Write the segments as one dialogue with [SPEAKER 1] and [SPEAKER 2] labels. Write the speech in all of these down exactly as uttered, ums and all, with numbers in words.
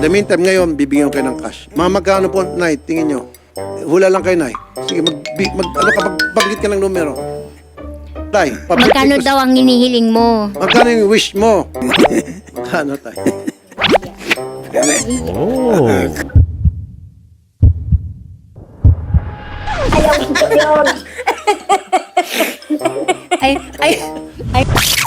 [SPEAKER 1] For the meantime, ngayon, bibigyan ko kayo ng cash. Mga magkano po, Nay, tingin nyo. Hula lang kayo, Nay. Sige, mag, mag, ano ka, magbanggit ka ng numero. Tay,
[SPEAKER 2] Magkano daw ang hinihiling mo?
[SPEAKER 1] Magkano yung wish mo? Magkano, Tay?
[SPEAKER 3] Oh.
[SPEAKER 2] Ay, ay, ay.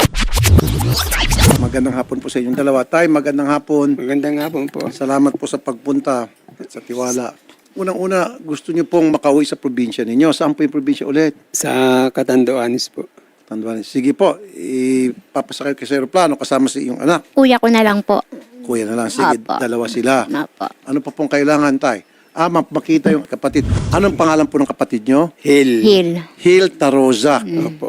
[SPEAKER 1] Magandang hapon po sa inyong dalawa. Tay, magandang hapon.
[SPEAKER 4] Magandang hapon po.
[SPEAKER 1] Salamat po sa pagpunta at sa tiwala. Unang-una, gusto niyo pong makauwi sa probinsya ninyo. Saan po yung probinsya ulit?
[SPEAKER 4] Sa Catanduanes po.
[SPEAKER 1] Tanduanes. Sige po, ipapasakay kayo sa aeroplano kasama sa iyong anak.
[SPEAKER 2] Kuya ko na lang po.
[SPEAKER 1] Kuya na lang. Sige,
[SPEAKER 2] Apo.
[SPEAKER 1] dalawa sila.
[SPEAKER 2] Apo.
[SPEAKER 1] Ano pa pong kailangan, Tay? Ah, ma- makita yung kapatid. Anong pangalan po ng kapatid nyo?
[SPEAKER 4] Hill.
[SPEAKER 2] Hill.
[SPEAKER 1] Hil Taroza.
[SPEAKER 4] Opo.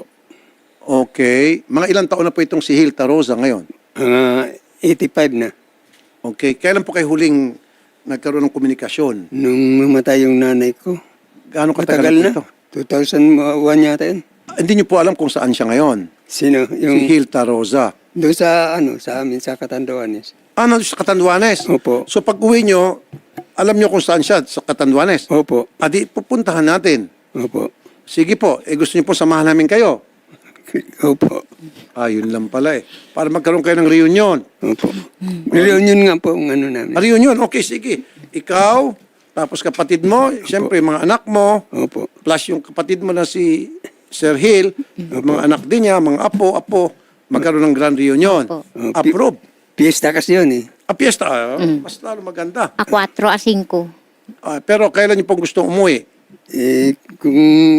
[SPEAKER 1] Okay. Mga ilang taon na po itong si Hil Taroza ngayon?
[SPEAKER 4] Ah, eighty-five na.
[SPEAKER 1] Okay. Kailan po kayo huling nagkaroon ng komunikasyon?
[SPEAKER 4] Nung mamatay yung nanay ko.
[SPEAKER 1] Gaano katagal
[SPEAKER 4] Matagal
[SPEAKER 1] na
[SPEAKER 4] na.
[SPEAKER 1] po ito?
[SPEAKER 4] two thousand one yata yun.
[SPEAKER 1] Ah, hindi nyo po alam kung saan siya ngayon.
[SPEAKER 4] Sino?
[SPEAKER 1] Si
[SPEAKER 4] Yung
[SPEAKER 1] Hil Taroza.
[SPEAKER 4] doon sa ano, sa amin sa Catanduanes.
[SPEAKER 1] Ah, nandun sa Catanduanes?
[SPEAKER 4] Opo.
[SPEAKER 1] So pag uwi nyo, alam nyo kung saan siya, sa Catanduanes?
[SPEAKER 4] Opo.
[SPEAKER 1] Adi, pupuntahan natin.
[SPEAKER 4] Opo.
[SPEAKER 1] Sige po, eh gusto nyo po samahan namin kayo.
[SPEAKER 4] Opo.
[SPEAKER 1] Ah, yun lang pala eh. Para magkaroon kayo ng reunion.
[SPEAKER 4] Opo. Reunion nga po ang ano namin.
[SPEAKER 1] Ah, reunion, okay, sige. Ikaw, tapos kapatid mo, siyempre mga anak mo,
[SPEAKER 4] Opo.
[SPEAKER 1] plus yung kapatid mo na si Sir Hill, mga anak din niya, mga apo, apo, magkaroon ng grand reunion.
[SPEAKER 2] Opo.
[SPEAKER 1] Approve.
[SPEAKER 4] Fiesta kasi yun eh.
[SPEAKER 1] Ah, piyesta, ah, mas lalo maganda.
[SPEAKER 2] A four a cinco.
[SPEAKER 1] Ah, pero kailan niyo pong gustong umuwi?
[SPEAKER 4] Eh, kung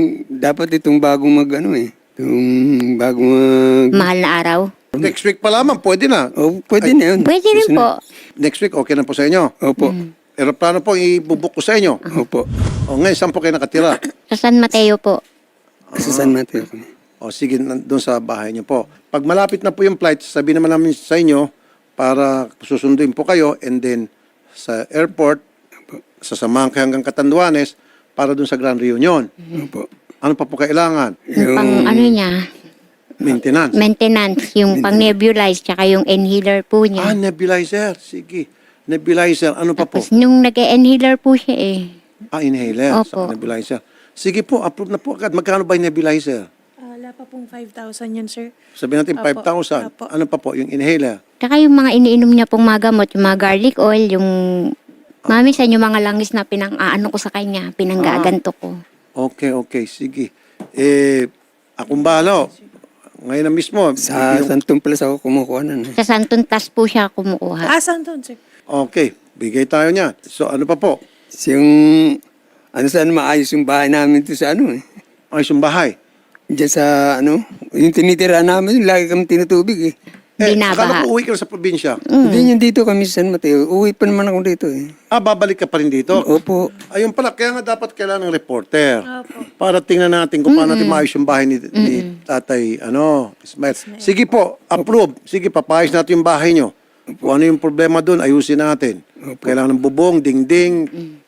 [SPEAKER 4] dapat itong bagong mag ano eh. Itong bagong mag...
[SPEAKER 2] Mahal na araw.
[SPEAKER 1] Next week pa lamang, pwede na.
[SPEAKER 4] Oh, pwede na yun.
[SPEAKER 2] Pwede rin
[SPEAKER 4] Gusto
[SPEAKER 2] po.
[SPEAKER 1] Next week, okay na po sa inyo.
[SPEAKER 4] na- Opo.
[SPEAKER 1] Aeroplano po, ibubuk ko sa inyo.
[SPEAKER 4] Opo.
[SPEAKER 1] O ngayon, saan po kayo nakatira?
[SPEAKER 2] Sa San Mateo po.
[SPEAKER 4] Sa San Mateo kami.
[SPEAKER 1] O sige, doon sa bahay niyo po. Pag malapit na po yung flight, sabihin naman namin sa inyo para susunduin po kayo and then sa airport, sasamahan kayo hanggang Catanduanes para doon sa Grand Reunion.
[SPEAKER 4] Opo.
[SPEAKER 1] Ano pa po kailangan?
[SPEAKER 2] Yung pang ano niya,
[SPEAKER 1] Maintenance.
[SPEAKER 2] maintenance, yung pang nebulize, tsaka yung inhaler po
[SPEAKER 1] Ah,
[SPEAKER 2] niya.
[SPEAKER 1] nebulizer. Sige. Nebulizer. Ano pa po?
[SPEAKER 2] Tapos nung nag-inhaler po siya eh.
[SPEAKER 1] Ah, inhaler.
[SPEAKER 2] Opo.
[SPEAKER 1] Sa nebulizer. Sige po, approve na po agad. Magkano ba yung nebulizer?
[SPEAKER 5] Ah, wala pa pong five thousand yun, sir.
[SPEAKER 1] Sabihin natin
[SPEAKER 5] Apo.
[SPEAKER 1] five thousand.
[SPEAKER 5] Apo.
[SPEAKER 1] Ano pa po? Yung inhaler.
[SPEAKER 2] Tsaka yung mga iniinom niya pong mga gamot, yung mga garlic oil, yung mami sa yung mga langis na pinang-aano ko sa kanya, pinanggaganto ko.
[SPEAKER 1] Okay, okay. Sige. Eh, akong bahala. Ngayon na mismo.
[SPEAKER 4] Sa
[SPEAKER 1] yung-
[SPEAKER 4] Santong Plus ako kumukuha na. eh.
[SPEAKER 2] Sa Santon Tas po siya kumukuha.
[SPEAKER 5] Ah, saan doon, sir?
[SPEAKER 1] Okay. Bigay tayo niyan. So, ano pa po?
[SPEAKER 4] Yung, ano saan maayos yung bahay namin to sa ano eh.
[SPEAKER 1] Ayos yung bahay.
[SPEAKER 4] Diyan sa ano, yung tinitira namin, lagi kami tinutubig eh.
[SPEAKER 1] Eh,
[SPEAKER 2] Binabaha.
[SPEAKER 1] akala ko uwi ka na sa probinsya.
[SPEAKER 4] Hindi yun dito kami sa San Mateo. Uwi pa naman ako dito eh.
[SPEAKER 1] Ah, babalik ka pa rin dito?
[SPEAKER 4] Opo.
[SPEAKER 1] Ayun pala, kaya nga dapat kailangan ng reporter.
[SPEAKER 5] Opo.
[SPEAKER 1] Para tingnan natin kung paano natin maayos yung bahay ni, ni tatay, ano, Ismael. Sige po, approve. Sige, papayos natin yung bahay nyo. Kung ano yung problema doon, ayusin natin. Kailangan ng bubong, dingding,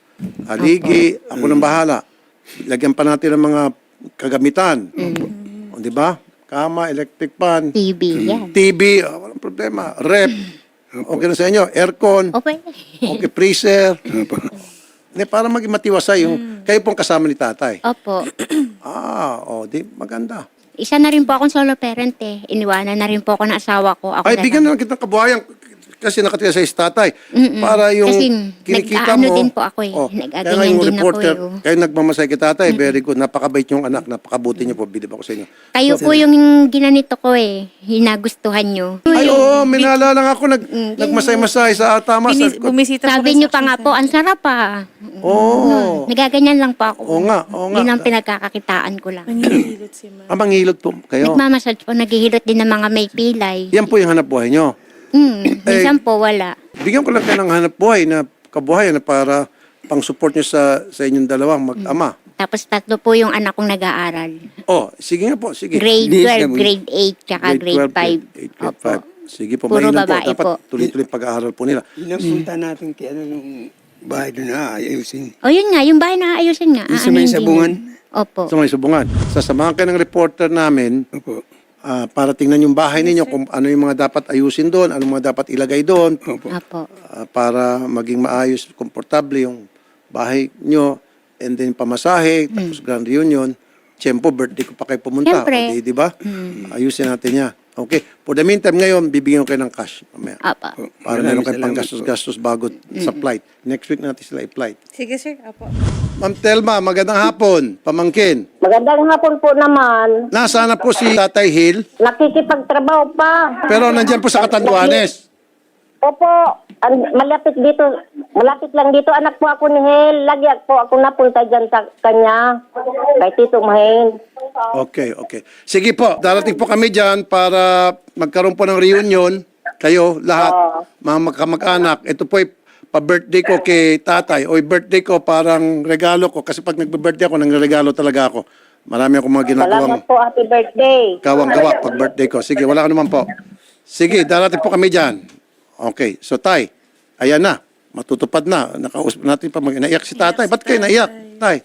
[SPEAKER 1] haligi, ako nang bahala. Lagyan pa natin ng mga kagamitan. O, di ba? Kama, electric fan,
[SPEAKER 2] T V, yan.
[SPEAKER 1] T V, ah, walang problema. Rep, okay na sa inyo. Aircon,
[SPEAKER 2] Okay.
[SPEAKER 1] okay, freezer. Hindi, para maging matiwasay yung, kayo pong kasama ni tatay.
[SPEAKER 2] Opo.
[SPEAKER 1] Ah, o, di, maganda.
[SPEAKER 2] Isa na rin po akong solo parent eh. Iniwanan na rin po ako ng asawa ko. Ako
[SPEAKER 1] Ay,
[SPEAKER 2] na
[SPEAKER 1] bigyan
[SPEAKER 2] lang.
[SPEAKER 1] na lang kitang kabuhayan kasi nakatira sa tatay.
[SPEAKER 2] Mm-mm.
[SPEAKER 1] Para yung
[SPEAKER 2] Kasi
[SPEAKER 1] kinikita
[SPEAKER 2] nag-aano
[SPEAKER 1] mo.
[SPEAKER 2] din po ako eh.
[SPEAKER 1] Oh,
[SPEAKER 2] Nag-aganyan
[SPEAKER 1] kaya nga yung
[SPEAKER 2] din ako
[SPEAKER 1] reporter,
[SPEAKER 2] eh, oh.
[SPEAKER 1] kayo nagmamasay kay tatay, very good. Napakabait yung anak, napakabuti niyo po. Bilib ako sa inyo.
[SPEAKER 2] Kayo po yung ginanito ko eh. Hinagustuhan nyo.
[SPEAKER 1] Ay, oo, minala lang ako. Nag,
[SPEAKER 2] Mm,
[SPEAKER 1] nagmasay-masay sa tama.
[SPEAKER 5] Binis,
[SPEAKER 1] Sabi ko,
[SPEAKER 5] bumisita po
[SPEAKER 2] Sabi
[SPEAKER 5] kayo
[SPEAKER 2] nyo
[SPEAKER 5] sa
[SPEAKER 2] pa nga
[SPEAKER 5] action
[SPEAKER 2] po, ang sarap ah.
[SPEAKER 1] Oo.
[SPEAKER 2] Nagaganyan lang po ako.
[SPEAKER 1] Oo nga, oo nga.
[SPEAKER 2] Yun ang pinagkakakitaan ko lang.
[SPEAKER 5] center. Nanghihilot si ma'am.
[SPEAKER 1] Ah, manghilot po kayo.
[SPEAKER 2] Nagmamassage po, naghihilot din ng mga may pilay.
[SPEAKER 1] Yan po yung hanap buhay nyo.
[SPEAKER 2] Hmm, minsan po wala.
[SPEAKER 1] Bigyan ko lang kayo ng hanap buhay na kabuhayan na para pang-support nyo sa, sa inyong dalawang mag-ama.
[SPEAKER 2] Tapos tatlo po yung anak kong nag-aaral.
[SPEAKER 1] Oh, sige nga po, sige.
[SPEAKER 2] Grade
[SPEAKER 4] Di-
[SPEAKER 2] twelve, grade eight, tsaka grade five.
[SPEAKER 1] grade eight, grade five. Sige po,
[SPEAKER 2] Puro
[SPEAKER 1] mainam po.
[SPEAKER 2] babae
[SPEAKER 1] Dapat
[SPEAKER 2] po.
[SPEAKER 1] tuloy-tuloy yung pag-aaral po nila.
[SPEAKER 4] Inapunta natin kaya ano yung bahay doon na ayusin.
[SPEAKER 2] O yun nga, yung bahay na ayusin nga.
[SPEAKER 4] Yung sa
[SPEAKER 2] Aanuhin
[SPEAKER 4] may
[SPEAKER 2] din
[SPEAKER 4] sabungan?
[SPEAKER 2] yun. Opo.
[SPEAKER 1] Sa may subungan. Sasamahan kayo ng reporter namin
[SPEAKER 4] Opo.
[SPEAKER 1] ah, para tingnan yung bahay ninyo, kung ano yung mga dapat ayusin doon, ano mga dapat ilagay doon,
[SPEAKER 4] Opo.
[SPEAKER 2] Apo.
[SPEAKER 1] ah, para maging maayos, komportable yung bahay nyo, and then pamasahe, tapos grand reunion. Siyempre, birthday ko pa kayo pumunta.
[SPEAKER 2] Siyempre.
[SPEAKER 1] O, di, di ba? Ayusin natin niya. Okay. For the meantime, ngayon, bibigyan ko kayo ng cash. Mamaya.
[SPEAKER 2] Apa.
[SPEAKER 1] Para
[SPEAKER 4] Maraming
[SPEAKER 1] meron kayo pang
[SPEAKER 4] salamat
[SPEAKER 1] gastos-gastos bago sa flight. Next week natin sila i-flight.
[SPEAKER 5] Sige, sir. Apo.
[SPEAKER 1] Ma'am Telma, magandang hapon. Pamangkin.
[SPEAKER 3] Magandang hapon po naman.
[SPEAKER 1] Nasaan na po si Tatay Hill?
[SPEAKER 3] Nakikipagtrabaho pa.
[SPEAKER 1] Pero nandyan po sa Catanduanes.
[SPEAKER 3] Opo, an- malapit dito, malapit lang dito. Anak po ako ni Hel. Lagi po ako napunta dyan sa kanya. Kay Tito Mahin.
[SPEAKER 1] Okay, okay. Sige po, darating po kami dyan para magkaroon po ng reunion. Kayo, lahat, mga magkamag-anak. Ito po ay pa-birthday ko kay tatay. O birthday ko parang regalo ko. Kasi pag nagbe-birthday ako, nangregalo talaga ako. Marami akong mga ginagawang
[SPEAKER 3] Salamat po, happy birthday.
[SPEAKER 1] kawang-gawa pag birthday ko. Sige, wala ka naman po. Sige, darating po kami dyan. Okay, so tay, ayan na. Matutupad na. Nakausap natin pa. Mag- naiyak si tatay. Ba't kayo naiyak, tay?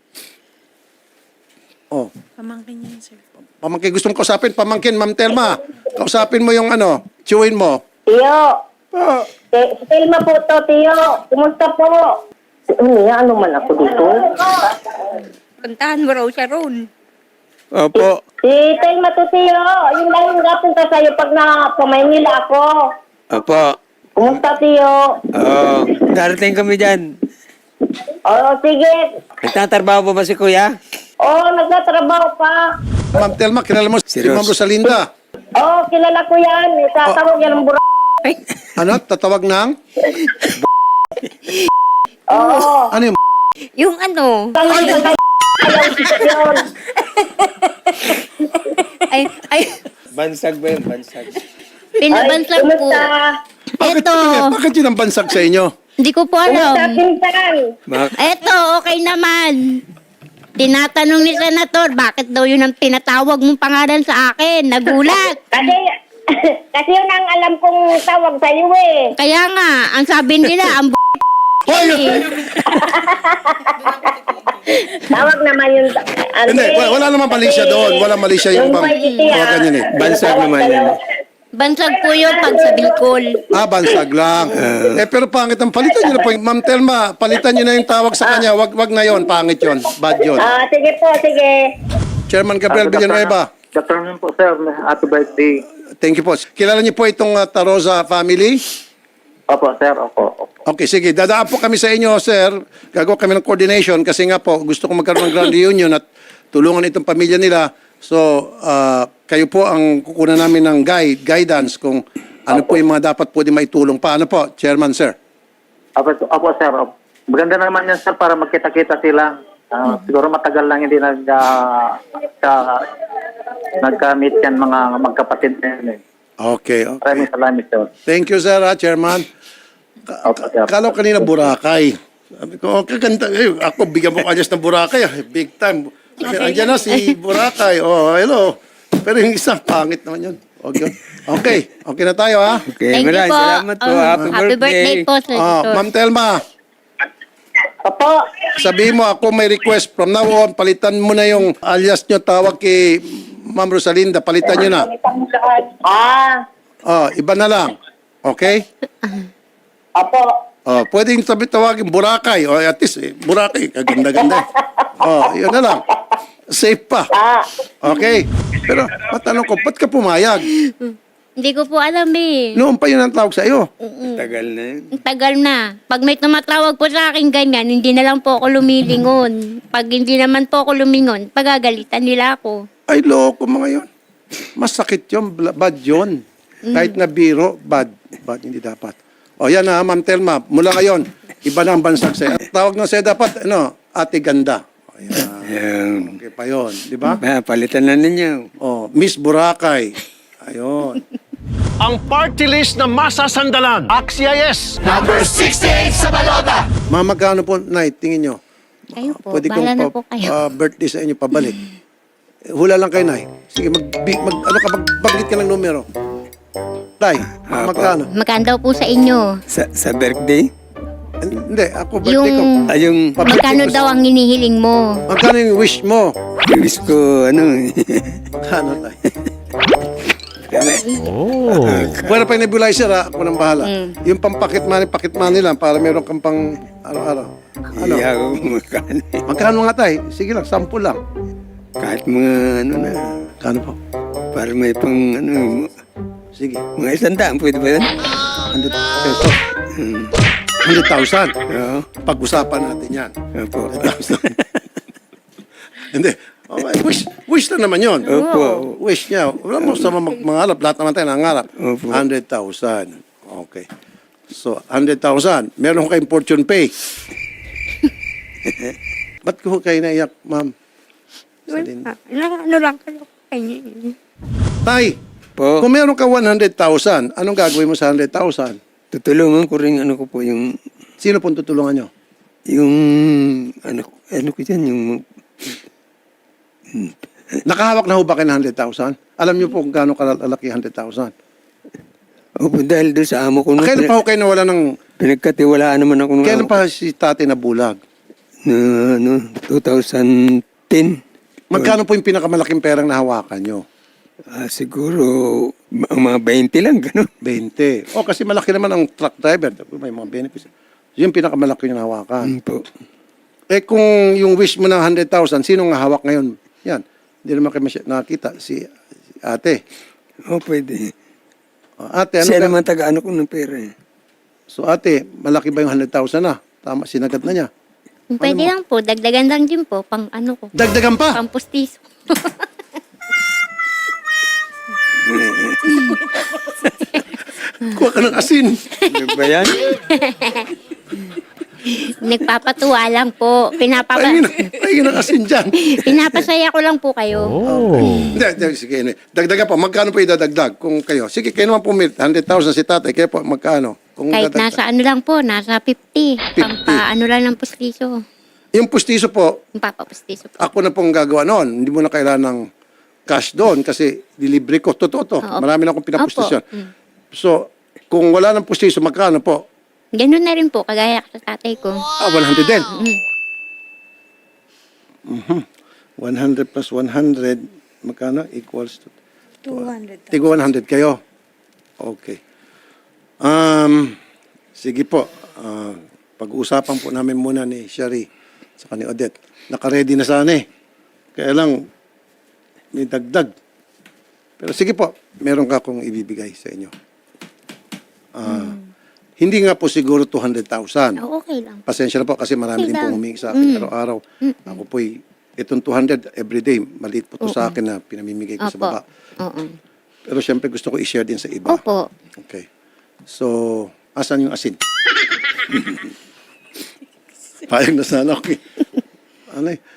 [SPEAKER 1] Oh,
[SPEAKER 5] Pamangkin niya, sir.
[SPEAKER 1] pamangkin. Gusto mong kausapin? Pamangkin, Ma'am Telma. Kausapin mo yung ano, chewin mo.
[SPEAKER 3] Tiyo, Te- si Telma po to, Tiyo. Kumusta po? Umiya, ano man ako dito?
[SPEAKER 2] Puntahan mo raw siya ron.
[SPEAKER 4] Opo.
[SPEAKER 3] Si Telma to, Tiyo. Yung lang yung napunta sa'yo pag na Pamaynila ako.
[SPEAKER 4] Opo.
[SPEAKER 3] Kumusta, Tiyo?
[SPEAKER 4] Oo. Darating kami dyan.
[SPEAKER 3] Oo, sige.
[SPEAKER 4] Nagtatrabaho ba ba si Kuya?
[SPEAKER 3] Oo, nagtatrabaho pa.
[SPEAKER 1] Ma'am Telma, kilala mo si
[SPEAKER 4] Si
[SPEAKER 1] Ma'am
[SPEAKER 4] Ros.
[SPEAKER 1] Rosalinda.
[SPEAKER 3] Oo, kilala ko yan. Itatawag yan ng bura.
[SPEAKER 1] Ano? Tatawag ng?
[SPEAKER 3] Oo.
[SPEAKER 1] Ano yung?
[SPEAKER 2] Yung ano,
[SPEAKER 3] Ayaw yun.
[SPEAKER 2] ay, ay,
[SPEAKER 4] Bansag ba yun? Bansag.
[SPEAKER 2] pinabansag po.
[SPEAKER 3] Kumusta?
[SPEAKER 1] Bakit,
[SPEAKER 2] Eto.
[SPEAKER 1] bakit yun ang bansag sa inyo?
[SPEAKER 2] Hindi ko po
[SPEAKER 3] Kumusta,
[SPEAKER 2] alam.
[SPEAKER 3] pinsan?
[SPEAKER 4] Mak
[SPEAKER 2] Eto, okay naman. Tinatanong ni Senator, bakit daw yun ang pinatawag mong pangalan sa akin? Nagulat.
[SPEAKER 3] Kasi, kasi yun ang alam kong tawag sa iyo eh.
[SPEAKER 2] Kaya nga, ang sabi nila, ang b****.
[SPEAKER 3] Tawag naman yun. Ano,
[SPEAKER 1] Hindi, wala, wala naman mali siya doon. Wala mali siya yung
[SPEAKER 3] Yung
[SPEAKER 1] pang...
[SPEAKER 3] pwede siya.
[SPEAKER 1] Mga ganyan eh.
[SPEAKER 4] Bansag
[SPEAKER 3] Tawag
[SPEAKER 4] naman
[SPEAKER 3] sa'yo.
[SPEAKER 4] yan.
[SPEAKER 2] Bansag po yun pag sa Bicol.
[SPEAKER 1] Ah, bansag lang. eh, pero pangit ang palitan nyo na po. Ma'am Telma, palitan nyo na yung tawag sa kanya. Wag, wag na yon, pangit yon, bad yon.
[SPEAKER 3] Ah, sige po, sige.
[SPEAKER 1] Chairman Gabriel Villanueva,
[SPEAKER 6] Good afternoon po, sir. Happy birthday.
[SPEAKER 1] thank you po. Kilala niyo po itong uh, Tarosa family?
[SPEAKER 6] Opo, sir. Opo. Opo.
[SPEAKER 1] Okay, sige. Dadaan po kami sa inyo, sir. Gagawa kami ng coordination kasi nga po, gusto ko magkaroon ng grand reunion at tulungan itong pamilya nila. So, uh, kayo po ang kukunan namin ng guide, guidance kung ano po yung mga dapat pwede maitulong pa. Ano po, Chairman, sir?
[SPEAKER 6] Opo, opo sir. Opo. Maganda naman yan, sir, para magkita-kita sila. Ah, siguro matagal lang hindi nag, uh, ka, nagka-meet yan mga magkapatid na yan. Eh.
[SPEAKER 1] Okay, okay.
[SPEAKER 6] Maraming salamat, sir.
[SPEAKER 1] Thank you, sir, ha, Chairman. Ka-
[SPEAKER 6] Opo, sir.
[SPEAKER 1] Kala ko kanina Boracay. Sabi ko, okay, ganda. Eh, ako, bigyan mo kanyas ng Boracay. ah. Big time. Sabi, andyan na si Boracay. Oh, hello. Pero yung isa, pangit naman yun. Okay, okay, okay na tayo, ha?
[SPEAKER 4] Okay,
[SPEAKER 2] Thank you
[SPEAKER 4] maraming
[SPEAKER 2] po.
[SPEAKER 4] salamat po.
[SPEAKER 2] Um,
[SPEAKER 4] Happy,
[SPEAKER 2] happy birthday po,
[SPEAKER 1] Ah,
[SPEAKER 2] Senator.
[SPEAKER 1] Ma'am Telma,
[SPEAKER 3] Opo.
[SPEAKER 1] sabihin mo, ako may request. From now on, palitan mo na yung alias nyo, tawag kay Ma'am Rosalinda. Palitan nyo na.
[SPEAKER 3] Ah,
[SPEAKER 1] Oh, iba na lang. Okay?
[SPEAKER 3] opo.
[SPEAKER 1] Oh, pwedeng sabi tawagin Boracay. O at least, eh, Boracay. Kaganda-ganda. Oh, yun na lang. Safe pa.
[SPEAKER 3] Ah,
[SPEAKER 1] Okay? Pero, matanong ko, ba't ka pumayag?
[SPEAKER 2] Hindi ko po alam eh.
[SPEAKER 1] Noon pa yun ang tawag sa iyo.
[SPEAKER 4] Tagal na yun.
[SPEAKER 2] Ang tagal na. Pag may tumatawag po sa akin ganyan, hindi na lang po ako lumilingon. Pag hindi naman po ako lumingon, pagagalitan nila ako.
[SPEAKER 1] Ay, loko mga yun. Masakit yun. bla- Bad yun. Kahit na biro, bad. Bad, hindi dapat. O yan na, Ma'am Telma. Mula ngayon, iba na ang bansag sa'yo. Ang tawag na sa'yo dapat, ano, Ate Ganda. Ayan.
[SPEAKER 4] Ayan.
[SPEAKER 1] Okay pa yun. Di ba?
[SPEAKER 4] Ah, palitan na ninyo.
[SPEAKER 1] Oh, Miss Boracay. Ayun.
[SPEAKER 7] Ang party list na masasandalan. Axia yes.
[SPEAKER 1] Ma'am, magkano po, Nay, tingin nyo?
[SPEAKER 2] Kayo po,
[SPEAKER 1] Pwede
[SPEAKER 2] bahala
[SPEAKER 1] kong
[SPEAKER 2] na
[SPEAKER 1] pa-
[SPEAKER 2] po kayo.
[SPEAKER 1] ah, birthday sa inyo pabalik. Eh, Hula lang kayo, Nay. Sige, mag, bi- mag ano ka, magbanggit ka ng numero. Tay,
[SPEAKER 4] Ah,
[SPEAKER 1] magkano?
[SPEAKER 2] Magkano daw po sa inyo?
[SPEAKER 4] Sa, sa birthday?
[SPEAKER 1] Hindi, ako birthday
[SPEAKER 2] Yung,
[SPEAKER 1] ko.
[SPEAKER 4] Ah, yung
[SPEAKER 1] Pabirthday
[SPEAKER 2] magkano
[SPEAKER 1] ko sa-
[SPEAKER 2] daw ang hinihiling mo?
[SPEAKER 1] Magkano yung wish mo?
[SPEAKER 4] wish ko, ano,
[SPEAKER 1] Ano, Tay?
[SPEAKER 7] Oh.
[SPEAKER 1] Pwede pa yung nebulizer ha, ako nang bahala.
[SPEAKER 2] Mm.
[SPEAKER 1] Yung pampakit money, pakit money lang para meron kang pang araw-araw. Ano?
[SPEAKER 4] Iya ako magkano eh.
[SPEAKER 1] Magkano nga tay? Sige lang, sample lang.
[SPEAKER 4] Kahit mga ano na,
[SPEAKER 1] Kano po?
[SPEAKER 4] para may pang ano,
[SPEAKER 1] Sige,
[SPEAKER 4] mga isang daan, pwede ba yan?
[SPEAKER 1] one hundred pesos.
[SPEAKER 4] Hmm.
[SPEAKER 1] one hundred thousand.
[SPEAKER 4] Oo.
[SPEAKER 1] Pag-usapan natin yan.
[SPEAKER 4] Opo.
[SPEAKER 1] one hundred thousand. Hindi. Okay, wish, wish na naman yun.
[SPEAKER 4] Opo.
[SPEAKER 1] Wish niya. Wala mo sa mag mangarap. Lahat naman tayo nangarap.
[SPEAKER 4] Opo.
[SPEAKER 1] one hundred thousand. Okay. So, one hundred thousand. Meron ko kayong fortune pay. Ba't ko kayo naiyak, ma'am? Celine?
[SPEAKER 2] Ano, ano lang kayo kanya.
[SPEAKER 1] Tay,
[SPEAKER 4] Po,
[SPEAKER 1] kung meron ka one hundred thousand, anong gagawin mo sa one hundred thousand?
[SPEAKER 4] tutulungan ko rin ano ko po yung,
[SPEAKER 1] Sino pong tutulungan nyo?
[SPEAKER 4] yung, ano, ano ko dyan, yung,
[SPEAKER 1] Nakahawak na ho ba kayo ng one hundred thousand? Alam nyo po kung gaano kalaki one hundred thousand?
[SPEAKER 4] opo, dahil doon sa amo ko,
[SPEAKER 1] Ah,
[SPEAKER 4] na,
[SPEAKER 1] kailan pa ho kayo nawala ng...
[SPEAKER 4] pinagkatiwalaan naman ako ng,
[SPEAKER 1] Kailan pa si tate na bulag?
[SPEAKER 4] na, ano, twenty ten.
[SPEAKER 1] Magkano po yung pinakamalaking perang nahawakan nyo?
[SPEAKER 4] Ah, siguro, ma- mga twenty lang, gano'n.
[SPEAKER 1] twenty. O, kasi malaki naman ang truck driver. May mga benefits. Yun yung pinakamalaki yung nahawakan.
[SPEAKER 4] Hmm, po.
[SPEAKER 1] Eh kung yung wish mo ng one hundred thousand, sino nga hawak ngayon? Yan. Hindi naman kayo masy- nakakita. Si, si ate.
[SPEAKER 4] Oh, pwede.
[SPEAKER 1] O, ate, ano
[SPEAKER 4] Siya
[SPEAKER 1] ka?
[SPEAKER 4] naman taga-ano ko ng pera eh.
[SPEAKER 1] So ate, malaki ba yung one hundred thousand na? Tama, sinagat na niya.
[SPEAKER 2] Pwede lang po, dagdagan lang din po, pang ano ko,
[SPEAKER 1] Dagdagan pa!
[SPEAKER 2] pang pustiso.
[SPEAKER 1] Kuha ka ng asin.
[SPEAKER 4] Ano ba yan?
[SPEAKER 2] Nagpapatuwa lang po. Pinapapa
[SPEAKER 1] Pahingin, pahingin ng asin dyan.
[SPEAKER 2] pinapasaya ko lang po kayo.
[SPEAKER 7] Oh.
[SPEAKER 1] Hindi, hindi, sige. hindi. Dagdagan pa. Magkano po idadagdag? Kung kayo. Sige, kayo naman po one hundred thousand si tatay. Kaya po, magkano? Kung
[SPEAKER 2] Kahit
[SPEAKER 1] dadagdag.
[SPEAKER 2] nasa ano lang po, nasa fifty. Pampa ano lang ng pustiso.
[SPEAKER 1] Yung pustiso po,
[SPEAKER 2] Yung papapustiso po.
[SPEAKER 1] ako na pong gagawa noon. Hindi mo na kailangan ng cash doon kasi delivery ko. Totoo to.
[SPEAKER 2] Oo.
[SPEAKER 1] Marami na akong pinapustisyon.
[SPEAKER 2] Opo. Mm.
[SPEAKER 1] So, kung wala ng pustiso, magkano po?
[SPEAKER 2] Ganun na rin po, kagaya sa tatay ko.
[SPEAKER 1] Ah, one hundred din.
[SPEAKER 2] Mm.
[SPEAKER 1] Mhm. one hundred plus one hundred, magkano? Equals to...
[SPEAKER 5] two hundred.
[SPEAKER 1] Tigo one hundred kayo. Okay. Um, sige po. Ah, pag-uusapan po namin muna ni Shari sa ni Odette. Naka-ready na sana eh. Kaya lang, may dagdag. Pero sige po, meron ka akong ibibigay sa inyo. Ah, Hindi nga po siguro two hundred thousand.
[SPEAKER 2] Oh, okay lang.
[SPEAKER 1] Pasensya na po kasi marami
[SPEAKER 2] Okay
[SPEAKER 1] din po
[SPEAKER 2] lang.
[SPEAKER 1] humingi sa akin
[SPEAKER 2] Mm.
[SPEAKER 1] araw-araw. Ako po'y, itong two hundred everyday, maliit po to sa akin na pinamimigay ko sa
[SPEAKER 2] Opo.
[SPEAKER 1] baba.
[SPEAKER 2] Oo.
[SPEAKER 1] Pero siyempre gusto ko i-share din sa iba.
[SPEAKER 2] Opo.
[SPEAKER 1] Okay. So, asan yung asin? Payag na sana ako. eh. Ano eh?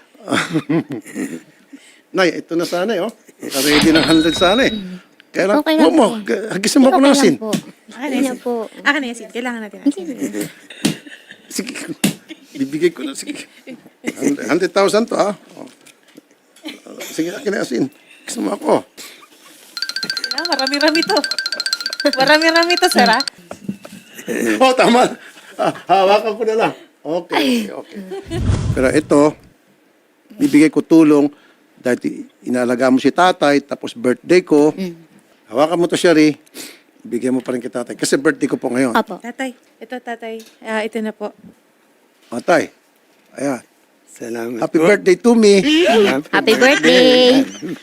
[SPEAKER 1] Nay, ito na sana eh, oh. Ready ng one hundred sana eh. Kaya lang,
[SPEAKER 2] Okay lang
[SPEAKER 1] huwag mo,
[SPEAKER 2] po.
[SPEAKER 1] hagisan mo ako ng
[SPEAKER 2] Okay
[SPEAKER 1] asin.
[SPEAKER 2] lang po.
[SPEAKER 5] Akin na
[SPEAKER 2] Hindi na
[SPEAKER 5] yan.
[SPEAKER 2] po.
[SPEAKER 5] Akin na yan, Sid. Kailangan natin. asin.
[SPEAKER 1] Sige, bibigay ko na, sige. one hundred thousand to, ah. Oh. Sige, akin na asin. Gusto mo ako.
[SPEAKER 5] Ah, marami-rami to. Marami-rami to, sir, ah.
[SPEAKER 1] Oh, tama. Ah, hawakan ko na lang. Okay, okay. Pero ito, bibigay ko tulong dahil inalaga mo si tatay, tapos birthday ko. Hawakan mo to, Shari. Bigyan mo pa rin kay tatay. Kasi birthday ko po ngayon.
[SPEAKER 2] Opo.
[SPEAKER 5] Tatay, ito tatay. Ah, ito na po.
[SPEAKER 1] Tatay. Ayan.
[SPEAKER 4] Salamat
[SPEAKER 1] Happy
[SPEAKER 4] po.
[SPEAKER 1] birthday to me.
[SPEAKER 2] Happy birthday!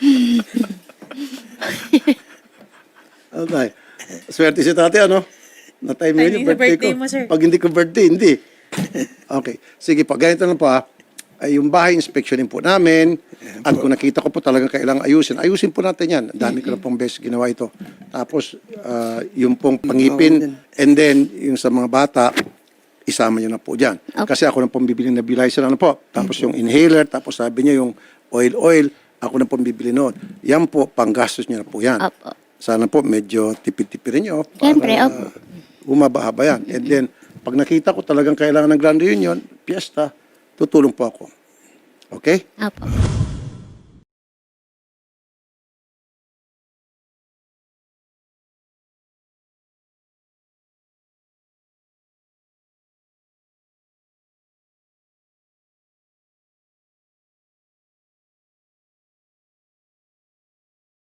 [SPEAKER 1] Ano tayo? Swerte si tatay, ano? Na-time yun yung
[SPEAKER 5] Timing sa
[SPEAKER 1] birthday,
[SPEAKER 5] birthday
[SPEAKER 1] ko.
[SPEAKER 5] mo, sir.
[SPEAKER 1] Pag hindi ko birthday, hindi. Okay. Sige po, ganito lang po ha. Ay, yung bahay, inspectionin po namin. At kung nakita ko po talagang kailangan ayusin, ayusin po natin yan. Ang dami ko na pong beses ginawa ito. Tapos, ah, yung pong pangipin, and then, yung sa mga bata, isama nyo na po dyan. Kasi ako na pong bibili na nebulizer, ano po. Tapos yung inhaler, tapos sabi niya yung oil-oil, ako na pong bibili noon. Yan po, panggastos nyo na po yan.
[SPEAKER 2] Opo.
[SPEAKER 1] Sana po medyo tipid-tipirin nyo. para,
[SPEAKER 2] Siyempre, opo.
[SPEAKER 1] uh, humaba-haba yan. And then, pag nakita ko talagang kailangan ng grand reunion, fiesta, tutulong po ako. Okay?
[SPEAKER 2] Opo.